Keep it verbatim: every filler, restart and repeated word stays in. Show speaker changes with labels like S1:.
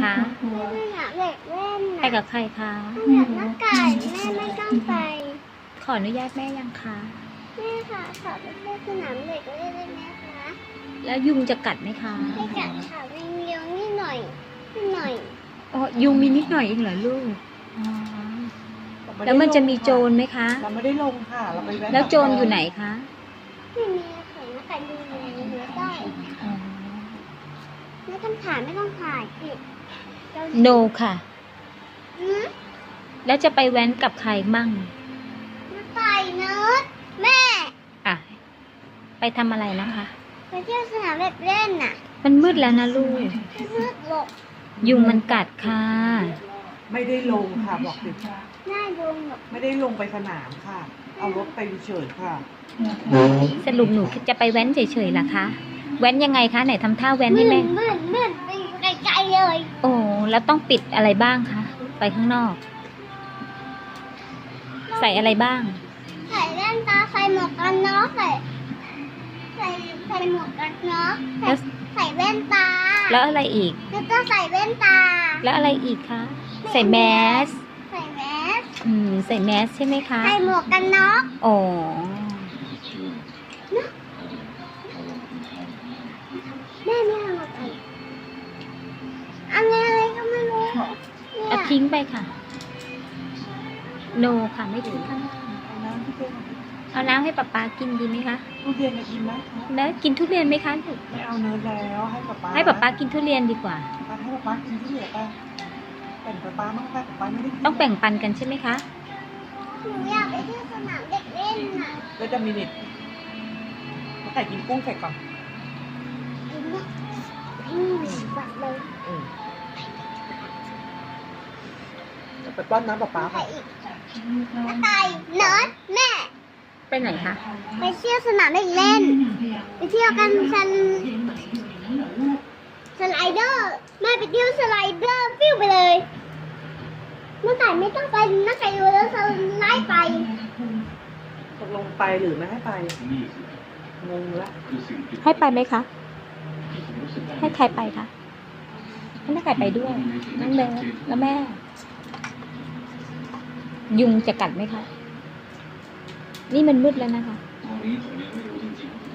S1: ไปสนามเด็กเล่น
S2: ไปกับใครคะ
S1: สนามนักไก่แม่ไม่ต้องไป
S2: ขออนุญาตแม่ยังคะ
S1: แม่ค่ะขอไปเที่ยวสนามเด็กเล่นได้ไหมคะ
S2: แล้วยุงจะกัดไหมคะ
S1: ไม่กัดค่ะไม่เลี้ยวนิดหน่อยนิดหน่อย
S2: อ๋อยุงมีนิดหน่อยเองเหรอลูกอ๋อแล้วมันจะมีโจรไหมคะ
S3: เราไม่ได้ลงค่ะเราไปแวะ
S2: แล้วโจรอยู่ไหนคะ
S1: ไม่มีค่ะนักไก่ดูในหัวได้
S2: อ๋อ
S1: ไม่ต้องถ่ายไม่ต้องถ่ายสิเรา
S2: โนค่ะ
S1: หืม
S2: แล้วจะไปแว้นกับใครมั่ง
S1: นักไก่เนิร์ดแม่
S2: อ่ะ ไปทำอะไรนะคะ
S1: ไปเที่ยวสนามเด็กเล่นน่ะ
S2: มันมืดแล้วนะลูก
S1: ไม่เลือกหลบ
S2: ยุงมันกัดค่ะ
S3: ไม่ได้ลงค่ะบอกสิ
S1: หน้าดงหลบ
S3: ไม่ได้ลงไปสนามค่ะ เอารถไปเฉยๆค่ะ
S2: สรุปหนูจะไปแว้นเฉยๆล่ะคะ แว้นยังไงคะ ไหนทำท่าแว้น
S1: มื
S2: ให้
S1: ด
S2: แม่
S1: มืดมืดไปไกลๆเลย
S2: โอ้แล้วต้องปิดอะไรบ้างคะ ไปข้างนอก ใส่อะไรบ้าง
S1: ใส่แว่นตาใส่หมวกกันน็อกใส่ใส่ใส่หมวกกันน็อกใส่
S2: แล้ว
S1: ใส่แว่นตา
S2: แล้วอะไรอีก
S1: แล้วก็ใส่แว่นตา
S2: แล้วอะไรอีกคะ ใส่แมส
S1: ใส่แมส
S2: อืม ใส่แมสใช่ไหมคะ
S1: ใส่หมวกกันน็อก
S2: อ๋อ
S1: แม่ไม่เอาอะไรอะไรอะไรก็ไม่รู้เนี่
S2: เอา
S1: ย
S2: ทิ้งไปค่ะ โนค่ะไม่ทิ้งข้างล่าง
S3: เอาน้ำที่เป็น
S2: เอาน้ำให้ป๊าป๊ากินดีไหมคะ
S3: ทุเรียนจะกินไหมคะ
S2: แล้วกินทุเรียนไหมคะลูก
S3: ไม่เอาเนื้อแล้วให้ป๊าป๊า
S2: ให้ป๊าป๊ากินทุเรียนดีกว่า
S3: ให้ป๊าป๊ากินที่เหลือไปแบ่งป๊าป๊ามั่งค่ะป๊าป๊าไม่ได้กิน
S2: ต้องแบ่งปันกันใช่ไหมคะ
S1: หนูอยากไปเที่ยวสนามเด็กเล่นน่ะ
S3: แล้วจะมีนิดไก่กินกุ้งใส่ก่อน
S1: กินเนี่ยอืมบัดเลย
S3: อืมไปป้อนน้ำป๊าป๊า
S1: ใส่
S3: ค่ะ
S1: อีกน้าไก่เนิร์ดแม่
S2: ไปไหนคะ
S1: ไปเที่ยวสนามเด็กเล่น ไปเที่ยวกันสนสไลเดอร์แม่ไปเที่ยวสไลเดอร์ฟิวไปเลยน้าไก่ไม่ต้องไปน้าไก่ดูแล้วสไลด์ไป
S3: ตกลงไปหรือไม่ให้ไปงงละ
S2: ให้ไปไหมคะ ให้ใครไปคะ ให้แม่ไก่ไปด้วย นั่งเบสแล้วแม่ ยุงจะกัดไหมคะ นี่มันมืดแล้วนะคะ
S4: ตอนนี้ผมยังไม่รู้จริงๆ